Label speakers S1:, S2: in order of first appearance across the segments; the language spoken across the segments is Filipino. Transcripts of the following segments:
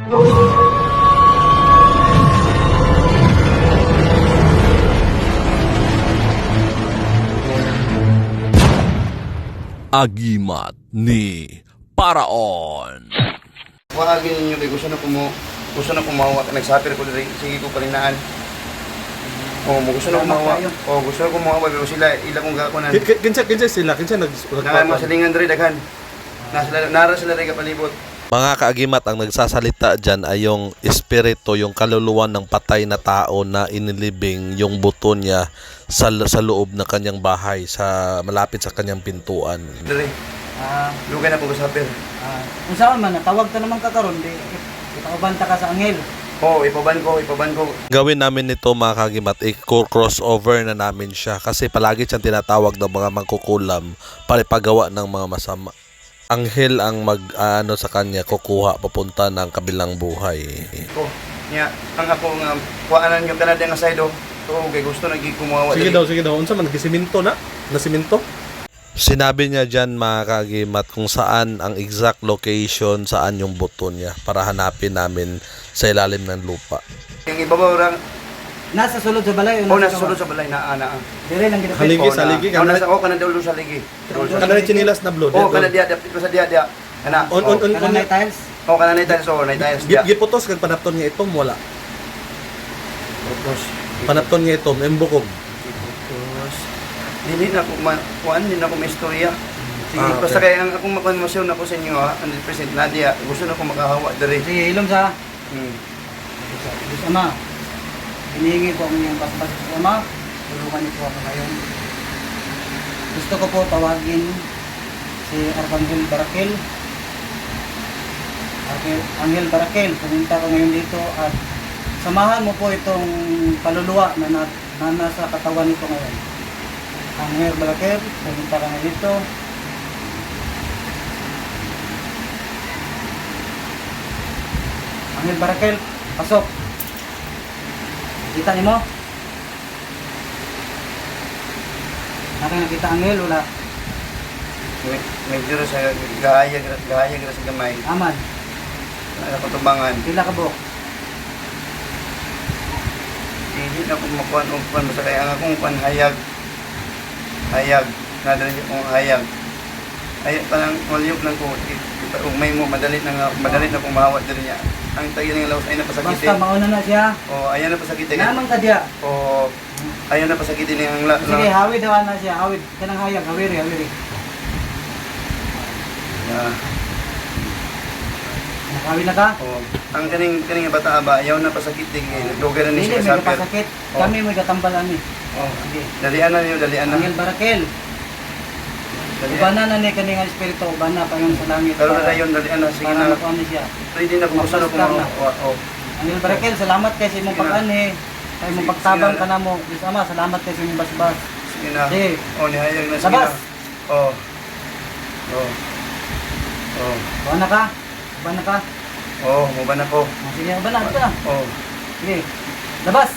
S1: Agimat ni Paraon.
S2: Wagin ninyo kay gusto na kumawa, nagsapir ko diri, sige ko palinaan. Gusto na kumawa. Gusto na kumawa pero sila ila kong gakunan.
S3: Kinsa sila
S2: Masalingan diri daghan. Nara sila diri kapalibot.
S4: Mga kaagimat, ang nagsasalita dyan ay yung espiritu, yung kaluluwa ng patay na tao na inilibing yung buto niya sa loob ng kanyang bahay, malapit sa kanyang pintuan.
S2: Diri. Lugay na ko gasapir.
S5: Kung saan man, natawag ka naman kakaroon, ipakabanta ka sa anghel.
S2: Ipaban ko.
S4: Gawin namin nito mga kaagimat, i-crossover na namin siya kasi palagi siyang tinatawag ng mga mangkukulam para ipagawa ng mga masama. Anghel ang sa kanya, kukuha papunta ng kabilang buhay.
S2: Ang ako nga kuanan yung kanada nga side kay gusto nagi kumawa.
S3: Sige daw. Unsa man nagsiminto na? Nasiminto?
S4: Sinabi niya dyan mga kaagimat kung saan ang exact location, saan yung buto niya para hanapin namin sa ilalim ng lupa.
S2: Yung ibabaw lang
S5: Nasa sulod sa balay.
S2: nasa sulod sa balay na
S5: Dire lang kita.
S3: Haligi sa ligi ka.
S2: Kanada ulo sa ligi.
S3: Kanada chinilas na blood.
S2: Kanada dia. Ana.
S5: Kanang tiles.
S2: Kanada tiles.
S3: Giputos kag panapton nga itom wala. Panapton nga itom embukog.
S2: Dili na ko kuan din ako may istorya. Sige, basta kaya ang akong makonmasyon ako sa inyo 100% Nadia, gusto na ko makahawa diri.
S5: Sige, ilom sa. Ama. Hinihingi ko ang iyong basbas sa Ama. Tulungan niyo po ako ngayon. Gusto ko po tawagin si Arcangel Barakel. Arcangel Barakel, pumunta ko ngayon dito at samahan mo po itong kaluluwa na nasa katawan nito ngayon. Arcangel Barakel, pumunta ka ngayon dito. Arcangel Barakel, pasok. Kita niyo mo? Nakita anghel wala.
S2: Medyo sa gahaya sa gamay.
S5: Aman.
S2: Ano patumbangan.
S5: Pila ka buok.
S2: Hindi na ko makuha basta kaya ang akong kuan hayag. Nadali akong hayag. Ay parang waliyok lang ko. May mo madali na kong mahawat diri niya. Ang tayo ng lawas ay napasakitin.
S5: Basta mauna na siya.
S2: Ayan na pasakitin.
S5: Naman ka diya.
S2: Ayan na pasakitin ang
S5: Sige, hawid daw na siya. Hawid. Kanang hayag, hawiri. Nakawid na ka?
S2: Ang kaning bata ba, ayaw na pasakitin. Naglugar na
S5: Hindi,
S2: niya
S5: may
S2: sa sapir.
S5: kapasakit. Kami may katambalan ni. Sige.
S2: Dalian na.
S5: Angel Barakel. Ubana na ni kaning espiritu, ubana pa yun sa langit.
S2: Pero na yun, dalian na. Sige
S5: Para
S2: na.
S5: makuha ni siya.
S2: Pwede na kung gusto na kung
S5: Angel Barakel, salamat kay sa imong pag-ani. Kay imong pagtabang ka na mo. Diyos Ama, salamat kay sa imong basbas.
S2: Sige na.
S5: Sige.
S2: Nihayag na. Sige na.
S5: Labas!
S2: Ubana
S5: Ubana ka?
S2: mubana ko.
S5: Sige, ubana. Ito na. Sige. Labas!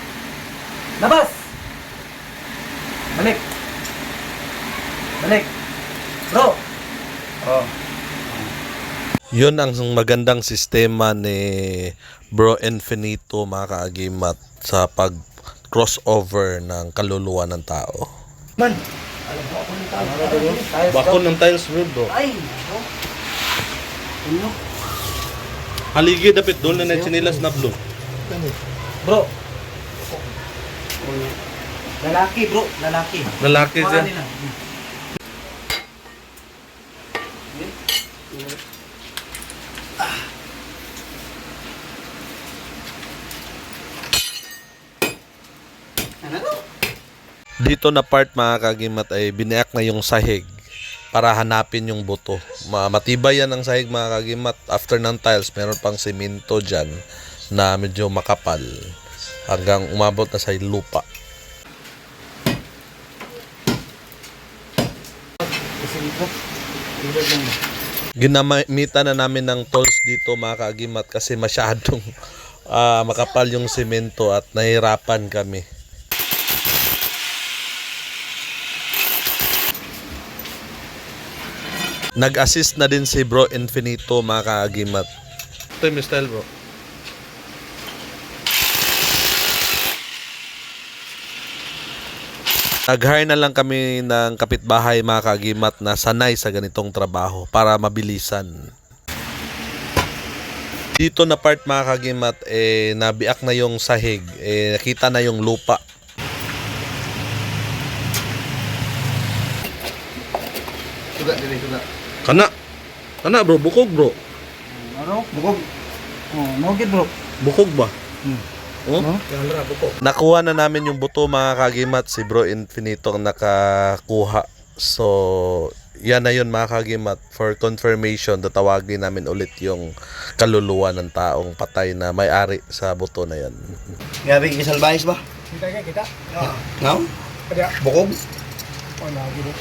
S5: Balik! Bro!
S4: Yun ang magandang sistema ni Bro Infinito mga kaagimat sa pag-crossover ng kaluluwa ng tao.
S2: Man!
S3: Bakon ng tiles road do.
S5: Ay! Ano?
S3: Haligi dapit doon na chinilas na blood.
S5: Bro! Lalaki bro, lalaki.
S3: Lalaki siya.
S5: Nila.
S4: Dito na part mga kaagimat ay biniyak na yung sahig para hanapin yung buto. Matibay yan ang sahig mga kaagimat. After ng tiles, meron pang simento dyan na medyo makapal hanggang umabot na sa lupa. Ginamitan na namin ng tools dito mga kaagimat kasi masyadong makapal yung simento at nahirapan kami. Nag-assist na din si Bro Infinito mga kaagimat.
S3: Ito yung style, bro.
S4: Nag-hire na lang kami ng kapitbahay mga kagimat na sanay sa ganitong trabaho para mabilisan. Dito na part mga kagimat, nabiak na yung sahig, nakita na yung lupa.
S2: Suga, dili, suga.
S3: Kana bro, bukog bro.
S5: Ano?
S2: Bukog.
S5: Oh, mogid bro.
S3: Bukog ba? Oh?
S4: Nakuha na namin yung buto mga kagimat, si Bro Infinito ang nakakuha. So, yan na yun mga kagimat. For confirmation, tatawagin namin ulit yung kaluluwa ng taong patay na may-ari sa buto na yan.
S2: Grabe, kisalbayis ba?
S5: Kita kita.
S2: No?
S5: Kada.
S2: Bukog?
S5: Oh, lagi bro.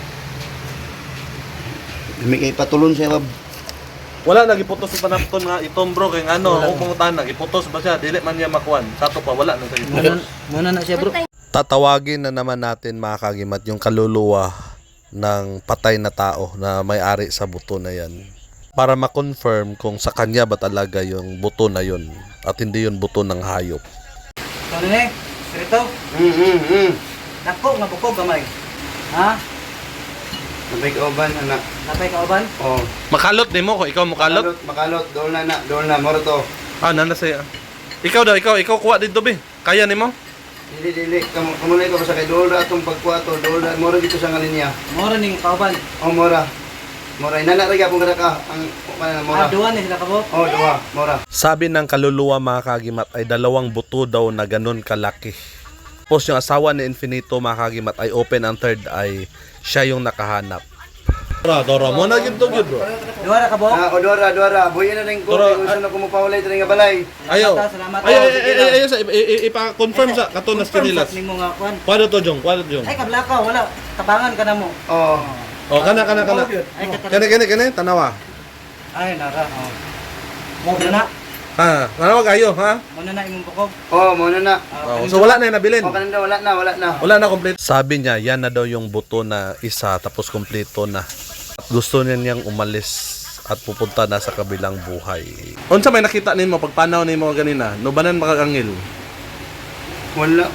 S2: May kay patulon siya, Bob.
S3: Wala nagiputos sa panapton nga itong bro kay ano, upong tanan nagiputos ba siya, dili man niya makuan. Sato pa wala nang kayo.
S5: Muna na siya bro.
S4: Tatawagin na naman natin mga kagimat yung kaluluwa ng patay na tao na may-ari sa buto na yan. Para ma-confirm kung sa kanya ba talaga yung buto na yun at hindi yun buto ng hayop.
S5: Ano ni? Sirito? Nako nga bukog gamay. Ha?
S2: Nabay kauban, anak.
S5: Napay ka uban?
S2: Oh.
S3: Makalot nimo ko ikaw makalot.
S2: Makalot. Doon na, moro to.
S3: Ah, nana saya. Ikaw daw, ikaw kuha dito be. Kaya nimo?
S2: Dili. Kamunay ko sa kay Dolda atong pagkuha to. Dolda, moro dito sa ngalinya.
S5: Mora ning kauban.
S2: Oh, mora. Mora, inana rin akong kadaka. Ang, mora.
S5: Duwa ni sila kabot.
S2: Oh, duwa, mora.
S4: Sabi ng kaluluwa mga kagimat ay 2 buto daw na ganun kalaki. Tapos yung asawa ni Infinito mga kagimat ay open ang third eye, siya yung nakahanap.
S3: Dora mo na gyud to gyud bro.
S5: Duwa ra kabot.
S2: Ah, o Dora. Buhay na rin ko.
S3: Dora,
S2: Gusto na kumupawalay rin nga balay.
S3: Ayo.
S5: Salamat.
S3: Ay sa ipa-confirm sa kato na Stanilas.
S5: Nimo nga kwan.
S3: Kwado to jong.
S5: Ay kablaka wala. Tabangan ka na mo.
S2: Oh.
S3: Oh, kana.
S5: Ay
S3: Kani tanawa.
S5: Ay nara. Oh. Mo na.
S3: Ha, nanawag ayo ha.
S5: Muna na imong bukog.
S2: Oh, muna na.
S3: Oh, so wala na yung nabilin.
S2: Oh, kananda, wala na.
S3: Wala na complete.
S4: Sabi niya, yan na daw yung buto na isa tapos kumpleto na. At gusto niya niyang umalis at pupunta na sa kabilang buhay.
S3: Unsa may nakita nimo pagpanaw nimo ganina? Nubanan makakangil.
S2: Wala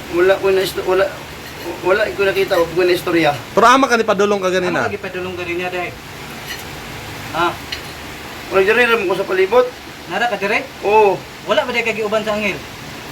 S2: ko nakita ko na istorya.
S3: Pero ama ka ni padulong ka
S5: Ano
S3: ganina.
S5: lagi padulong ka rin niya dai? Ha?
S2: Wala diri ram ko sa palibot.
S5: Nara ka dire?
S2: Oh.
S5: Wala ba dai kay giuban sa angel?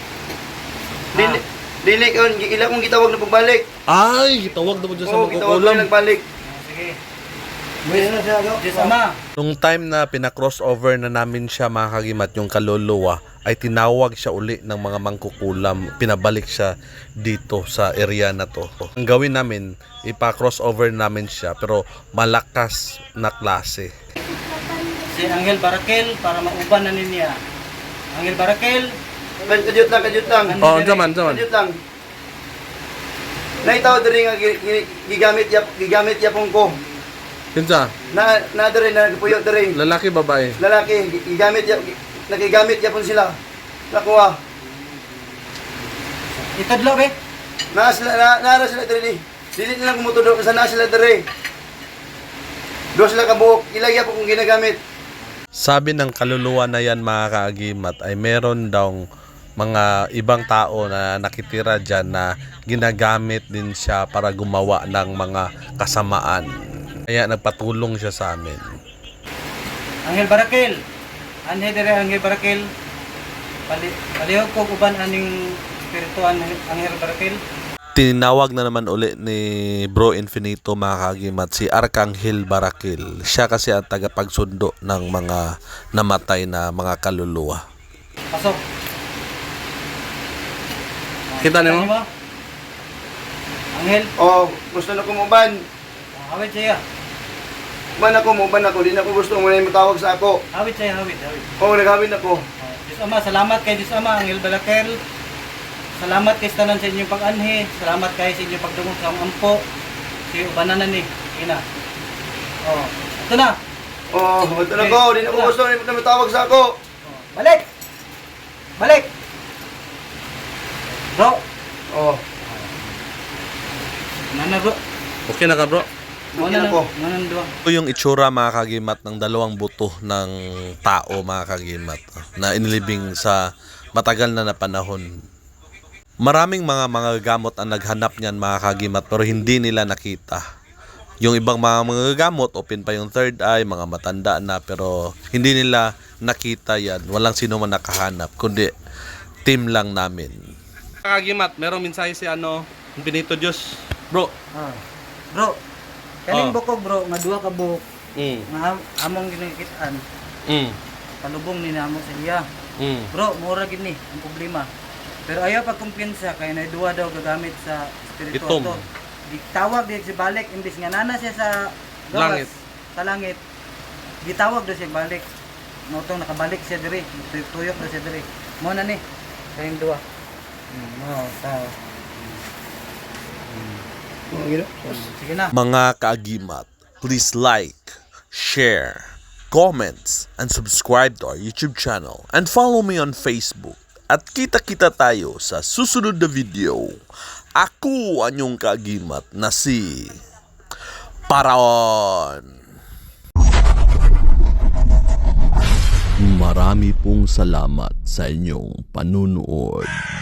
S2: Dili ko ila kong gitawag na pagbalik.
S3: Ay, gitawag daw dyan sa
S2: Oh, gitawag
S3: magkukulam.
S2: na nagbalik.
S5: Sige.
S2: Buhay na siya.
S5: Diyos Ama.
S4: Nung time na pinacrossover na namin siya mga kagimat, yung kaluluwa, ay tinawag siya uli ng mga mangkukulam. Pinabalik siya dito sa area na to. Ang gawin namin, ipa-crossover namin siya pero malakas na klase.
S5: Si Angel Barakel para mauban na niya. Angel Barakel.
S2: Kadyot lang.
S3: Oh, zaman.
S2: Kadyot lang. Naitaw diri nga gigamit yapon ko.
S3: Kinsa?
S2: Na diri na nagpuyo diri.
S3: Lalaki babae.
S2: Lalaki nagigamit yapon sila. Nakuha.
S5: Itadlo be.
S2: Nara sila diri. Dili nila kumutudok sa na sila diri. Do sila kabuok. Ilagya po kung ginagamit.
S4: Sabi ng kaluluwa na yan mga kaagimat ay meron daw mga ibang tao na nakitira dyan na ginagamit din siya para gumawa ng mga kasamaan. Kaya nagpatulong siya sa amin.
S5: Angel Barakel. Anhe dire Angel Barakel. Palihog ko uban aning espirituan Angel Barakel.
S4: Tinawag na naman uli ni Bro Infinito mga kagimat si Arkanghel Barakil. Siya kasi ang tagapagsundo ng mga namatay na mga kaluluwa.
S5: Pasok.
S3: Kita nimo?
S5: Angel,
S2: Oh, gusto na kumuban.
S5: hawid siya.
S2: Uban ako. Di na ko gusto mo na matawag sa ako.
S5: Hawid siya, hawid.
S2: Oh, naghawid ako.
S5: Diyos Ama, salamat kay Diyos Ama, Angel Barakel. Salamat kay tanan sa inyong pag-anhi. Salamat kay sa inyong pagdungog sa ampo. Si ubananan ni. Ina. Oh, ito na.
S2: Oh, ito na ko. Di na ko gusto na matawag sa ako.
S5: Oh, balik. Bro.
S2: Oh,
S5: Nana bro.
S3: Okay na ka bro?
S2: Lugyan ako.
S5: Manan duwa.
S4: Ito yung itsura mga kagimat ng dalawang buto ng tao mga kagimat na inilibing sa matagal na panahon. Maraming mga gamot ang naghanap niyan mga kagimat pero hindi nila nakita. Yung ibang mga gamot, open pa yung third eye, mga matanda na pero hindi nila nakita yan. Walang sino man nakahanap kundi team lang namin.
S3: Kagimat, merong mensahe si Benito Diyos. Bro.
S5: Bro, kaning
S3: Oh.
S5: bukog bro, nga duha ka buhok,
S3: Mm.
S5: nga among ginikitaan,
S3: Mm.
S5: palubong ni namo sa iya.
S3: Mm.
S5: Bro, mura gid ni ang problema. Pero ayaw pagkumpiyansa kay na duha daw gagamit sa spiritual
S3: Itom.
S5: to. Gitawag di si balik imbis nga nana siya sa gawas,
S3: Langit.
S5: sa langit. Gitawag daw siya balik. Motong nakabalik siya diri, tuyok daw siya diri. Mo na ni kayong duha. Mo ta. Sige na.
S4: Mga kaagimat, please like, share, comments, and subscribe to our YouTube channel and follow me on Facebook. At kita-kita tayo sa susunod na video. Ako ang inyong kaagimat na si Paraon.
S1: Marami pong salamat sa inyong panunood.